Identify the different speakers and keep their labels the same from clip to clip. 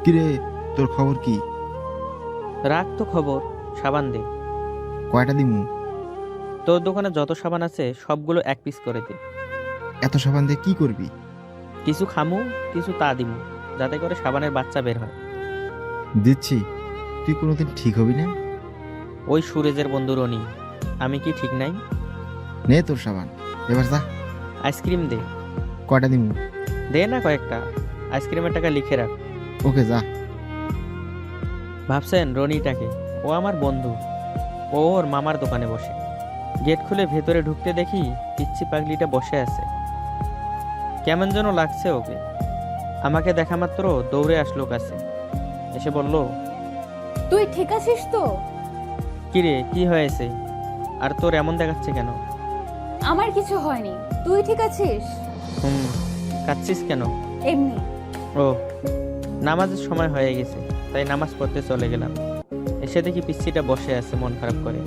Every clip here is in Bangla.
Speaker 1: কিরে, তোর খবর কি?
Speaker 2: রাখ তো খবর, সাবান দে।
Speaker 1: কয়টা দিমু?
Speaker 2: তোর দোকানে যত সাবান আছে সবগুলো এক পিস করে দে।
Speaker 1: এত সাবান দিয়ে কি করবি?
Speaker 2: কিছু খামু, কিছু তা দিমু, যাতে করে সাবানের বাচ্চা বের হয়।
Speaker 1: দিচ্ছি। তুই কোনোদিন ঠিক হবি না।
Speaker 2: ওই সুরেজের বন্ধু রনি, আমি কি ঠিক নাই?
Speaker 1: নে তোর সাবান, এবার যা।
Speaker 2: আইসক্রিম দে।
Speaker 1: কয়টা দিমু?
Speaker 2: দে না কয়েকটা, আইসক্রিমের টাকা লিখে রাখ।
Speaker 1: ওকে যা।
Speaker 2: ভাবছেন রনিটাকে? ও আমার বন্ধু। ও ওর মামার দোকানে বসে। গেট খুলে ভেতরে ঢুকতে দেখি পিচ্ছি পাগলিটা বসে আছে। কেমন যেন লাগছে ওকে। আমাকে দেখা মাত্র দৌড়ে আসলো কাছে, এসে বলল,
Speaker 3: তুই ঠিক আছিস তো?
Speaker 2: কিরে কি হয়েছে? আর তোর এমন দেখাচ্ছে কেন?
Speaker 3: আমার কিছু হয়নি, তুই ঠিক আছিস?
Speaker 2: হুম, কাঁদছিস কেন?
Speaker 3: এমনি।
Speaker 2: ও, নামাজের সময় হয়ে গেছে, তাই নামাজ পড়তে চলে গেলাম। এসে দেখি পিচ্ছিটা বসে আছে মন খারাপ করে।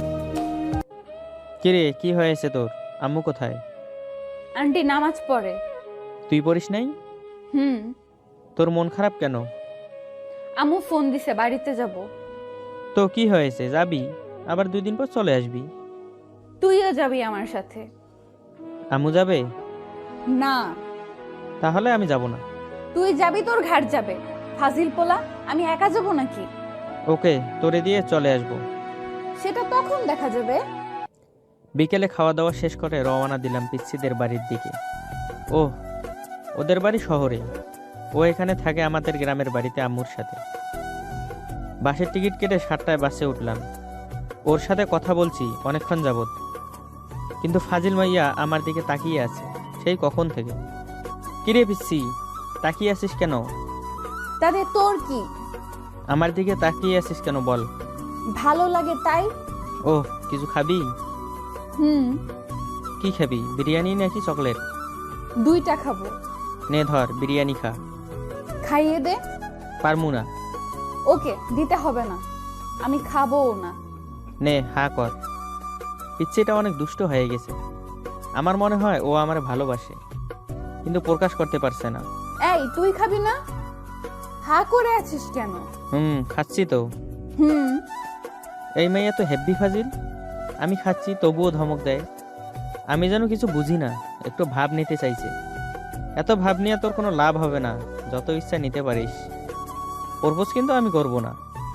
Speaker 2: কিরে কি হয়েছে তোর? আম্মু কোথায়?
Speaker 3: আন্টি নামাজ পড়ে।
Speaker 2: তুই পড়িস নাই?
Speaker 3: হুম।
Speaker 2: তোর মন খারাপ কেন?
Speaker 3: আম্মু ফোন দিছে, বাড়িতে যাব।
Speaker 2: তো কি হয়েছে, যাবি? আবার 2 দিন পর চলে আসবি।
Speaker 3: তুইও যাবি আমার সাথে?
Speaker 2: আম্মু যাবে?
Speaker 3: না,
Speaker 2: তাহলে আমি যাব না।
Speaker 3: তুই যাবি, তোর ঘাট যাবে। ফাজিল পোলা, আমি একা যাব নাকি?
Speaker 2: ওকে, তোরে দিয়ে চলে আসবো।
Speaker 3: সেটা তখন দেখা যাবে।
Speaker 2: বিকেলে খাওয়া দাওয়া শেষ করে রওনা দিলাম পিচ্ছিদের বাড়ির দিকে। ও, ওদের বাড়ি শহরে। ও এখানে থাকে আমাদের গ্রামের বাড়িতে আম্মুর সাথে। বাসের টিকিট কেটে 7টায় বাসে উঠলাম। ওর সাথে কথা বলছি অনেকক্ষণ যাবত, কিন্তু ফাজিল মাইয়া আমার দিকে তাকিয়ে আছে সেই কখন থেকে। কিরে পিচ্ছি, তাকিয়ে আছিস কেন?
Speaker 3: তাতে তোর কি?
Speaker 2: আমার দিকে তাকিয়ে আছিস কেন বল?
Speaker 3: ভালো লাগে তাই।
Speaker 2: ও, কিছু খাবি?
Speaker 3: হুম।
Speaker 2: কি খাবি, বিরিয়ানি নাকি চকলেট?
Speaker 3: 2টা খাবো।
Speaker 2: নে ধর, বিরিয়ানি খা।
Speaker 3: খাইয়ে দে।
Speaker 2: পারমু না।
Speaker 3: ওকে, দিতে হবে না, আমি খাবোও না।
Speaker 2: নে, হা কর। পিচ্ছিটা অনেক দুষ্ট হয়ে গেছে। আমার মনে হয় ও আমার ভালোবাসে, কিন্তু প্রকাশ করতে পারছে না।
Speaker 3: এই, তুই খাবি না? হা করে আছিস কেন?
Speaker 2: খাচ্ছি তো।
Speaker 3: হুম।
Speaker 2: এই মেয়ে তো হেব্বি ফাজিল। আমি খাচ্ছি তবুও ধমক দেয়। আমি যেন কিছু বুঝি না, একটু ভাব নিতে চাইছে। এত ভাব নিয়ে তোর কোনো লাভ হবে না, যত ইচ্ছা নিতে পারিস। প্রপোজ কিন্তু আমি করব না।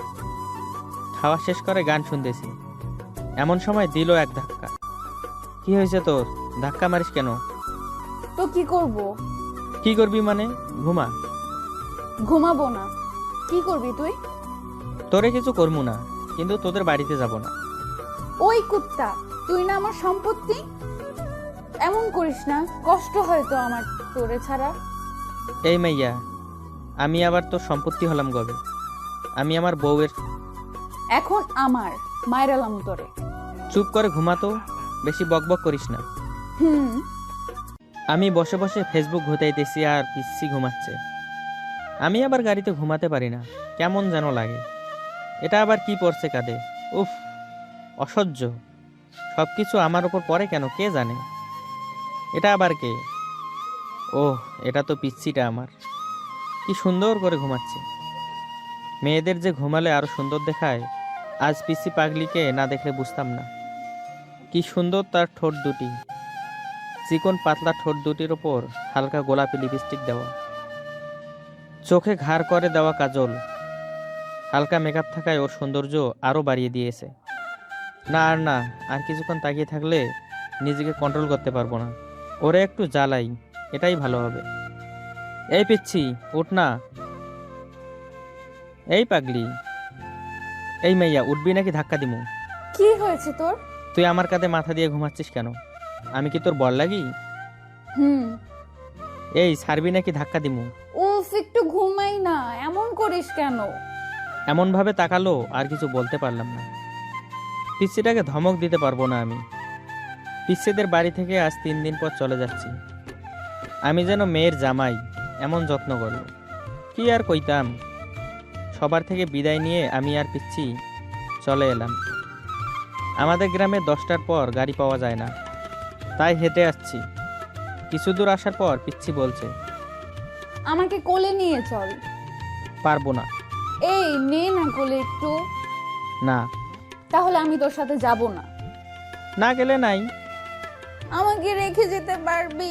Speaker 2: খাওয়া শেষ করে গান শুনতেছি, এমন সময় দিল এক ধাক্কা। কি হয়েছে তোর, ধাক্কা মারিস কেন?
Speaker 3: তো কি করব?
Speaker 2: কি করবি মানে? ঘুমা।
Speaker 3: ঘুমাবো না। কি করবি তুই?
Speaker 2: তোরে কিছু করবো না, কিন্তু তোদের বাড়িতে যাব না।
Speaker 3: ওই কুত্তা, তুই না আমার সম্পত্তি। এমন করিস না, কষ্ট হয় তো আমার তোরে ছাড়া।
Speaker 2: এই মাইয়া, আমি আবার তোর সম্পত্তি হলাম কবে? আমি আমার বউয়ের।
Speaker 3: এখন আমার মায়েরালাম তোরে।
Speaker 2: চুপ করে ঘুমাতো, বেশি বকবক করিস না।
Speaker 3: হুম।
Speaker 2: আমি বসে বসে ফেসবুক ঘুতাইতেছি আর পিচ্ছি ঘুমাচ্ছে। আমি আবার গাড়িতে ঘুমাতে পারি না, কেমন যেন লাগে। এটা আবার কি পড়ছে কাঁধে? উফ, অসহ্য। সব কিছু আমার ওপর পড়ে কেন কে জানে। এটা আবার কে? ওহ, এটা তো পিচ্ছিটা আমার। কি সুন্দর করে ঘুমাচ্ছে। মেয়েদের যে ঘুমালে আরো সুন্দর দেখায়, আজ পিচ্ছি পাগলিকে না দেখলে বুঝতাম না। কি সুন্দর তার ঠোঁট দুটি, চিকন পাতলা ঠোঁট দুটির ওপর হালকা গোলাপি লিপস্টিক দেওয়া, চোখে ঘাড় করে দেওয়া কাজল। হালকা মেকআপ থাকায় ওর সৌন্দর্য আরো বাড়িয়ে দিয়েছে। না আর না, আর কিছুক্ষণ তাকিয়ে থাকলে নিজেকে কন্ট্রোল করতে পারবো না। ওরে একটু জ্বালাই, এটাই ভালো হবে। এই পিচ্ছি, উঠ না। এই পাগলি, এই মাইয়া, উঠবি নাকি ধাক্কা দিমু?
Speaker 3: কি হয়েছে তোর?
Speaker 2: তুই আমার কাঁধে মাথা দিয়ে ঘুমাচ্ছিস কেন? আমি কি তোর বল লাগি?
Speaker 3: হুম।
Speaker 2: এই ছাড়বি নাকি ধাক্কা দিমু?
Speaker 3: উফ, একটু ঘুমাই না, এমন করিস কেন?
Speaker 2: এমন ভাবে তাকালো আর কিছু বলতে পারলাম না। পিচ্ছিটাকে ধমক দিতে পারবো না আমি। পিচ্ছিদের বাড়ি থেকে আজ 3 দিন পর চলে যাচ্ছি। আমি যেন মেয়ের জামাই, এমন যত্ন করলো। কি আর কইতাম। সবার থেকে বিদায় নিয়ে আমি আর পিচ্ছি চলে এলাম। আমাদের গ্রামে 10টার পর গাড়ি পাওয়া যায় না, তাই হেঁটে আসছি। কিছু দূর আসার পর পিচ্ছি বলছে,
Speaker 3: আমাকে কোলে নিয়ে চল।
Speaker 2: পারবো না।
Speaker 3: এই নে না কোলে একটু।
Speaker 2: না,
Speaker 3: তাহলে আমি তোর সাথে যাব না।
Speaker 2: না গেলে নাই।
Speaker 3: আমাকে রেখে যেতে পারবি?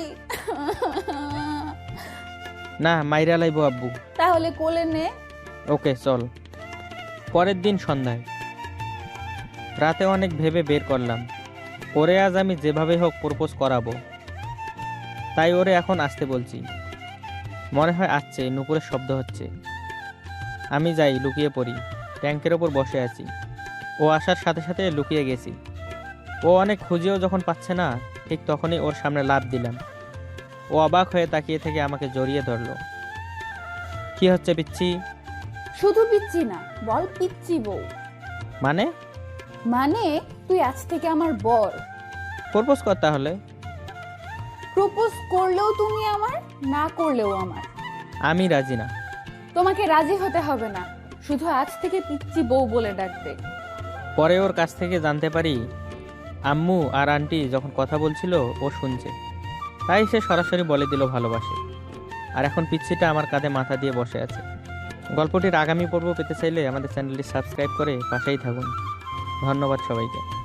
Speaker 2: না, মাইরা লাইবো আব্বু।
Speaker 3: তাহলে কোলে নে।
Speaker 2: ওকে চল। পরের দিন সন্ধ্যায় রাতে অনেক ভেবে বের করলাম ওরে আজ আমি যেভাবে হোক প্রপোজ করাবো। তাই ওরে এখন আসতে বলছি। মনে হয় আসছে, নুপুরের শব্দ হচ্ছে। আমি যাই, লুকিয়ে পড়ি। ট্যাঙ্কের ওপর বসে আছি। ও আসার সাথে সাথে লুকিয়ে গেছি। ও অনেক খুঁজেও যখন পাচ্ছে না, ঠিক তখনই ওর সামনে লাফ দিলাম। ও অবাক হয়ে তাকিয়ে থেকে আমাকে জড়িয়ে ধরলো। কি হচ্ছে পিচ্ছি?
Speaker 3: শুধু পিচ্ছি না, বল পিচ্ছি বউ।
Speaker 2: মানে?
Speaker 3: মানে তুই আজ থেকে আমার বর।
Speaker 2: প্রপোজ কর তাহলে।
Speaker 3: প্রপোজ করলেও তুমি আমার, না করলেও আমার।
Speaker 2: আমি রাজি না।
Speaker 3: তোমাকে রাজি হতে হবে না, শুধু আজ থেকে পিচ্ছি বউ বলে ডাকবে।
Speaker 2: পরে ওর কাছ থেকে জানতে পারি আম্মু আর আন্টি যখন কথা বলছিল ও শুনছে। তাই সে সরাসরি বলে দিল ভালোবাসে। আর এখন পিচ্ছিটা আমার কাঁধে মাথা দিয়ে বসে আছে। গল্পটির আগামী পর্ব পেতে চাইলে আমাদের চ্যানেলটি সাবস্ক্রাইব করে পাশেই থাকুন। ধন্যবাদ সবাইকে।